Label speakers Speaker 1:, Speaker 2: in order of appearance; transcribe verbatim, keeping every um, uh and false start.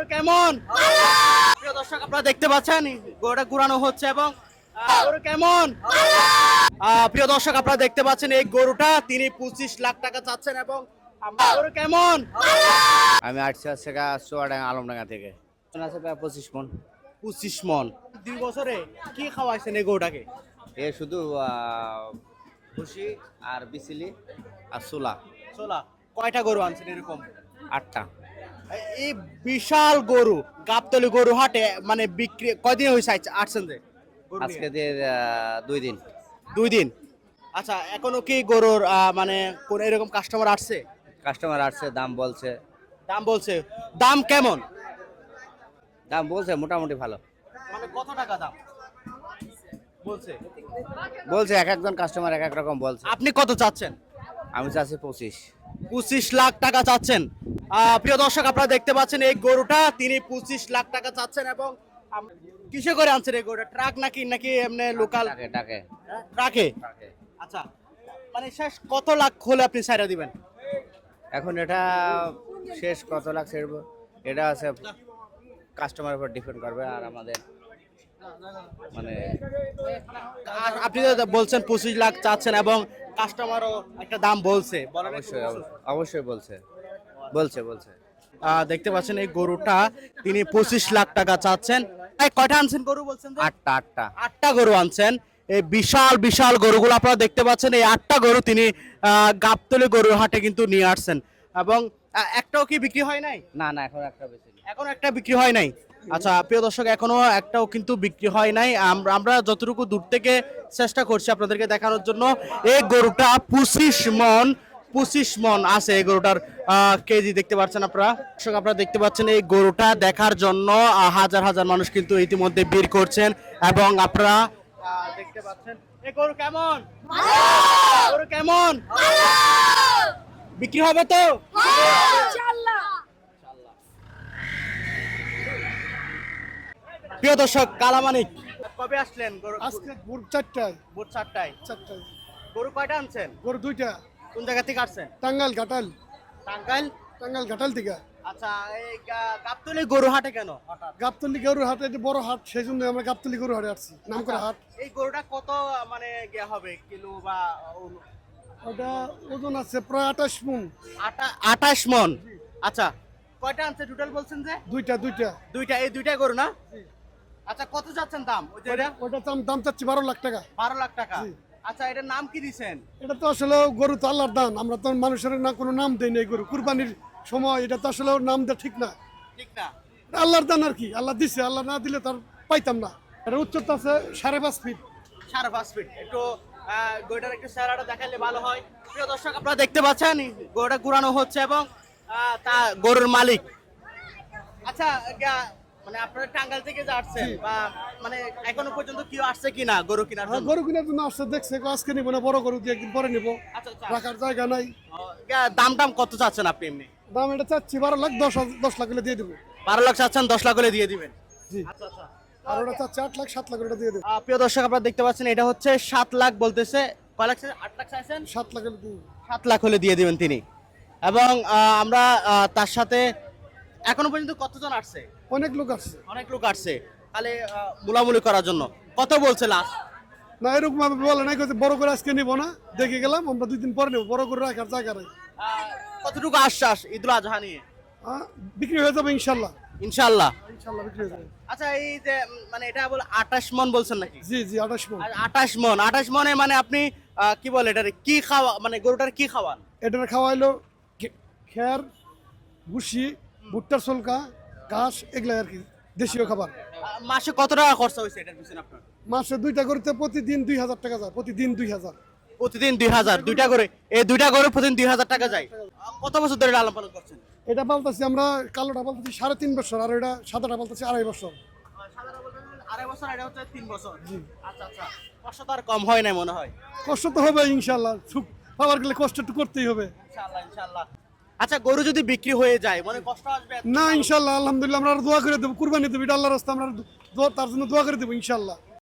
Speaker 1: গরু কেমন? প্রিয় দর্শক, আপনারা দেখতে পাচ্ছেন গরুটা ঘুরানো হচ্ছে এবং আহ, গরু কেমন? আহ, প্রিয় দর্শক, আপনারা দেখতে পাচ্ছেন এই গরুটা তিনি পঁচিশ লাখ টাকা চাচ্ছেন এবং আমরা গরু কেমন?
Speaker 2: আমি আসছি হচ্ছে গা চুয়াডাঙ্গা আলমডাঙ্গা থেকে আছে প্রায় পঁচিশ মন।
Speaker 1: পঁচিশ মন। দুই বছরে কি খাওয়াইছেন এই গরুটাকে?
Speaker 2: এ শুধু আহ, ভুসি আর বিচিলি আর চুলা।
Speaker 1: চোলা কয়টা গরু আনছেন এরকম?
Speaker 2: আটটা।
Speaker 1: এই বিশাল গরু গাবতলী গরু হাটে মানে বিক্রি কয়দিন হয়েছে আসছেন যে গরু নিয়ে?
Speaker 2: আজকে দিয়ে আহ, দুই দিন।
Speaker 1: দুই দিন। আচ্ছা, এখনো কি গরুর আহ, মানে কোন এরকম কাস্টমার আসছে?
Speaker 2: কাস্টমার আসছে, দাম বলছে।
Speaker 1: দাম বলছে? দাম কেমন?
Speaker 2: দাম বলছে মোটামুটি ভালো
Speaker 1: মানে কত টাকা দাম বলছে?
Speaker 2: বলছে, এক একজন কাস্টমার এক এক রকম বলছে।
Speaker 1: আপনি কত চাচ্ছেন?
Speaker 2: আমি চাচ্ছি পঁচিশ।
Speaker 1: পঁচিশ লাখ টাকা চাচ্ছেন। আহ, প্রিয় দর্শক, আপনারা দেখতে পাচ্ছেন এই গরুটা তিনি পঁচিশ লাখ টাকা চাচ্ছেন এবং আম- কিসে করে আনছেন এই গরুটা? ট্রাক নাকি নাকি এমনি লোকাল
Speaker 2: টাকে টাকে
Speaker 1: ট্রাকে?
Speaker 2: টাকে।
Speaker 1: আচ্ছা, মানে শেষ কত লাখ হলে আপনি ছাইড়া দিবেন?
Speaker 2: এখন এটা শেষ কত লাখ ছেড়বো এটা আছে কাস্টমারের উপর ডিপেন্ড করবে। আর আমাদের মানে
Speaker 1: আর আপনি তো বলছেন পঁচিশ লাখ চাচ্ছেন এবং কাস্টমারও একটা দাম বলছে, বলেন একটু
Speaker 2: অবশ্যই
Speaker 1: বলুন।
Speaker 2: অবশ্যই- অবশ্যই বলছে বলছে বলছে
Speaker 1: আহ, দেখতে পাচ্ছেন এই গরুটা তিনি পঁচিশ লাখ টাকা চাচ্ছেন। এই কয়টা আনছেন গরু বলছেন যে?
Speaker 2: আটটা আটটা
Speaker 1: আটটা গরু আনছেন। এই বিশাল বিশাল গরুগুলো আপনারা দেখতে পাচ্ছেন, এই আটটা গরু তিনি আহ, গাবতলী গরুর হাটে কিন্তু নিয়ে আসছেন এবং আহ, একটাও কি বিক্রি হয় নাই?
Speaker 2: না না এখন একটা বেশি নেই।
Speaker 1: এখনো একটা বিক্রি হয় নাই। আচ্ছা প্রিয় দর্শক, এখনো একটাও কিন্তু বিক্রি হয় নাই। আম- আমরা যতটুকু দূর থেকে চেষ্টা করছি আপনাদেরকে দেখানোর জন্য, এই গরুটা পঁচিশ মন পঁচিশ মন আছে এই গরুটার আহ, কেজি দেখতে পাচ্ছেন আপনারা। দর্শক, আপনারা দেখতে পাচ্ছেন এই গরুটা দেখার জন্য আহ, হাজার হাজার মানুষ কিন্তু ইতিমধ্যে ভিড় করছেন এবং আপনারা আহ, দেখতে পাচ্ছেন এই গরু কেমন? গরু কেমন? বিক্রি হবে তো? প্রিয় দর্শক, কালামানিক কবে আসলেন? গরু
Speaker 3: আজকে ভোর চারটায়
Speaker 1: ভোর চারটায়।
Speaker 3: চারটায়
Speaker 1: গরু কয়টা আনছেন?
Speaker 3: ভোর দুইটা
Speaker 1: কোন জায়গা থেকে আসছেন?
Speaker 3: টাঙ্গাইল ঘাটাল
Speaker 1: টাঙ্গাইল।
Speaker 3: টাঙ্গাইল ঘাটাল থেকে
Speaker 1: আচ্ছা, এই গা- গাবতলী গরু হাটে কেন হঠাৎ?
Speaker 3: গাবতলি গরুর হাট, এটা বড় হাট, সেই জন্য আমরা গাবতলি গরুর হাটে আসছি, নাম করে হাট।
Speaker 1: এই গরুটা কত মানে গিয়া হবে কিলো বা ও-
Speaker 3: ওটা ওজন আছে প্রায় আঠাশ মন।
Speaker 1: আটা- আঠাশ মন। আচ্ছা, কয়টা আনছে টোটাল বলছেন যে?
Speaker 3: দুইটা দুইটা
Speaker 1: দুইটা। এই দুইটা গরু না? আচ্ছা, কত যাচ্ছেন দাম? ওই যে এটা
Speaker 3: ওটা দাম দাম চাচ্ছি বারো লাখ টাকা।
Speaker 1: বারো লাখ টাকা।
Speaker 3: জি।
Speaker 1: আচ্ছা, এটার নাম কি দিছেন?
Speaker 3: এটা তো আসলে গরু তো আল্লাহর দান, আমরা তো মানুষের না কোনো নাম দেই না। এই গরু কুরবানির সময় এটা তো আসলে ওর নাম দেওয়া ঠিক না।
Speaker 1: ঠিক না?
Speaker 3: এটা আল্লাহর দান আর কি, আল্লাহ দিছে, আল্লাহ না দিলে তার পাইতাম না। এটা উচ্চতা আছে সাড়ে পাঁচ ফিট।
Speaker 1: সাড়ে পাঁচ ফিট। একটু আহ, গরুটার একটু চেহারাটা দেখালে ভালো হয়। প্রিয় দর্শক, আপনারা দেখতে পাচ্ছেন গরুটা ঘুরানো হচ্ছে এবং আহ, তা গরুর মালিক। আচ্ছা, গা- মানে আপনারা টাঙ্গাইল থেকে যে আসছেন বা মানে এখনো পর্যন্ত কেউ আসছে কিনা গরু কেনার
Speaker 3: হ্যাঁ,
Speaker 1: জন্য?
Speaker 3: গরু কিনার জন্য আসছে, দেখছে আজকে নিবো না, বড় গরু দিয়ে একদিন পরে নিবো,
Speaker 1: আচ্ছা আচ্ছা।
Speaker 3: রাখার জায়গা নাই।
Speaker 1: ও, গা- দাম দাম কত চাচ্ছেন আপনি এমনি?
Speaker 3: দাম এটা চাচ্ছি বারো লাখ, দশ হাজার- দশ লাখ হলে দিয়ে দেবো।
Speaker 1: বারো লাখ চাচ্ছেন, দশ লাখ করে দিয়ে দিবেন?
Speaker 3: জি।
Speaker 1: আচ্ছা আচ্ছা।
Speaker 3: আর ওটা চাচ্ছি আট লাখ, সাত লাখ ওটা দিয়ে দেবো।
Speaker 1: আহ, প্রিয় দর্শক, আপনারা দেখতে পাচ্ছেন এটা হচ্ছে সাত লাখ বলতেছে। কয় লাখ চাইছেন? আট লাখ চাইছেন?
Speaker 3: সাত লাখ হলে দিয়ে দেবো।
Speaker 1: সাত লাখ হলে দিয়ে দিবেন তিনি। এবং আহ, আমরা আহ, তার সাথে এখনো পর্যন্ত কতজন আসছে?
Speaker 3: অনেক লোক আসছে।
Speaker 1: অনেক লোক আসছে তাহলে আহ, মুলামুলি করার জন্য। কত বলছে লাস্ট?
Speaker 3: না এরকম ভাবে বলে নাই, কইছে বড় করে আজকে নিবো না, দেখে গেলাম, আমরা দুই দিন পরে নেবো, বড় করে রাখার জায়গা নাই।
Speaker 1: কতটুকু আশ্বাস ঈদুল আজহা নিয়ে?
Speaker 3: হ্যাঁ, বিক্রি হয়ে যাবে ইনশাল্লাহ।
Speaker 1: ইনশাল্লাহ।
Speaker 3: ইনশাল্লাহ বিক্রি হয়ে যাবে।
Speaker 1: আচ্ছা, এই যে উম, মানে এটা বলে আঠাশ মন বলছেন নাকি?
Speaker 3: জি জি আঠাশ মন।
Speaker 1: আর আঠাশ মন আঠাশ মনে মানে আপনি আহ, কি বলে এটার কি খাওয়া মানে গরুটার কি খাওয়ান?
Speaker 3: এটার খাওয়াইলো খে- খের, ভুসি, ভুট্টার সলকা, ঘাস, এগুলা আর কি দেশীয় খাবার।
Speaker 1: আহ, মাসে কত টাকা খরচা হয়েছে এটার পিছনে আপনার?
Speaker 3: মাসে দুইটা করতে প্রতিদিন দুই হাজার টাকা যায়, প্রতিদিন দুই হাজার।
Speaker 1: প্রতিদিন দুই হাজার দুইটা করে এই দুইটা গরু প্রতিদিন দুই হাজার টাকা যায়। আহ, কত বছর ধরে লালন পালন করছেন?
Speaker 3: এটা পালতাছি আমরা, কালোটা পালতাছি সাড়ে তিন বছর, আর এটা সাদাটা পালতাছি আড়াই বছর।
Speaker 1: আড়াই বছর, এটা হচ্ছে তিন বছর। আচ্ছা আচ্ছা। কষ্ট তো আর কম হয় না মনে হয়।
Speaker 3: কষ্ট তো হবে ইনশাল্লাহ, সুখ পাওয়ার গেলে কষ্ট একটু করতেই হবে।
Speaker 1: ইনশাআল্লাহ ইনশাআল্লাহ। আচ্ছা, গরু যদি বিক্রি হয়ে যায় মনে কষ্ট আসবে?
Speaker 3: না ইনশাল্লাহ, আলহামদুলিল্লাহ, আমরা আরো দোয়া করে দেবো, কুরবানি দেবো, এটা আল্লাহর রাস্তা, আমরা আরো দোয়া- তার জন্য দোয়া করে দেবো ইনশাল্লাহ।